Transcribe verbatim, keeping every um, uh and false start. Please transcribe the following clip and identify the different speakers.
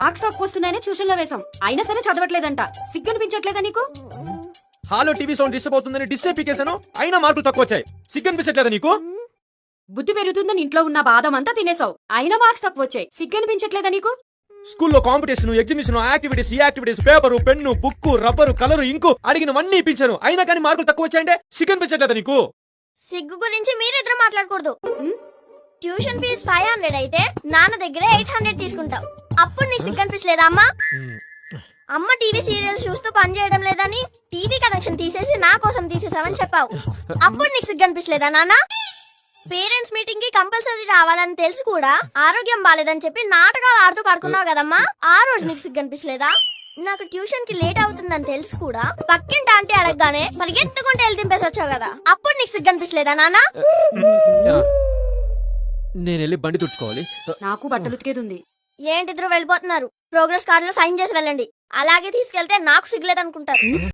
Speaker 1: Marks తక్కువ వస్తున్నాయని tuition లో వేసాం, అయినా సరే చదవట్లేదంట. సిగ్గనిపించట్లేదా నీకు?
Speaker 2: హాలో టీవీ సౌండ్ డిస్టర్బ్ అవుతుందని డిస్టర్బ్ పీకేశాను, అయినా మార్కులు తక్కువ వచ్చాయి. సిగ్గనిపించట్లేదా నీకు?
Speaker 1: బుద్ధి పెరుగుతుందని ఇంట్లో ఉన్న బాదం అంతా తినేసావు, అయినా మార్క్స్ తక్కువ వచ్చాయి. సిగ్గనిపించట్లేదా నీకు?
Speaker 2: స్కూల్లో కాంపిటీషన్, ఎగ్జిబిషన్, యాక్టివిటీస్, ఈ activities, paper, pen, book, rubber, colour, ink అడిగినవన్నీ ఇప్పించాను, అయినా కానీ మార్కులు తక్కువ వచ్చాయంటే సిగ్గనిపించట్లేదా నీకు?
Speaker 3: సిగ్గు గురించి మీరిద్దరు మాట్లాడకూడదు. ట్యూషన్ ఫీజ్ ఫైవ్ హండ్రెడ్ అయితే నాన్న దగ్గర ఎయిట్ హండ్రెడ్ తీసుకుంటావు. అప్పుడు నీకు సిగ్గు అనిపించలేదా అమ్మా? అమ్మ టీవీ సీరియల్స్ చూస్తూ పని చేయడం లేదని టీవీ కనెక్షన్ తీసేసి నా కోసం తీసేసావని చెప్పావు. అప్పుడు నీకు సిగ్గు అనిపించలేదా నాన్న? పేరెంట్స్ మీటింగ్ కి కంపల్సరీ రావాలని తెలిసి కూడా ఆరోగ్యం బాలేదని చెప్పి నాటకాలు ఆడుతూ పడుకున్నావు కదమ్మా, ఆ రోజు నీకు సిగ్గు అనిపించలేదా? నాకు ట్యూషన్ కి లేట్ అవుతుందని తెలిసి కూడా పక్కింటి ఆంటీ అడగగానే పరిగెత్తుకుంటే వెళ్ళి దింపేసి వచ్చావు కదా, అప్పుడు నీకు సిగ్గు అనిపించలేదా నాన్న?
Speaker 2: నేను వెళ్ళి బండి తుడుచుకోవాలి.
Speaker 1: నాకు బట్టలు ఉతికేదుంది.
Speaker 3: ఏంటిద్దరు వెళ్ళిపోతున్నారు? ప్రోగ్రెస్ కార్డులో సైన్ చేసి వెళ్ళండి. అలాగే తీసుకెళ్తే నాకు సిగ్గులేదు అనుకుంటారు.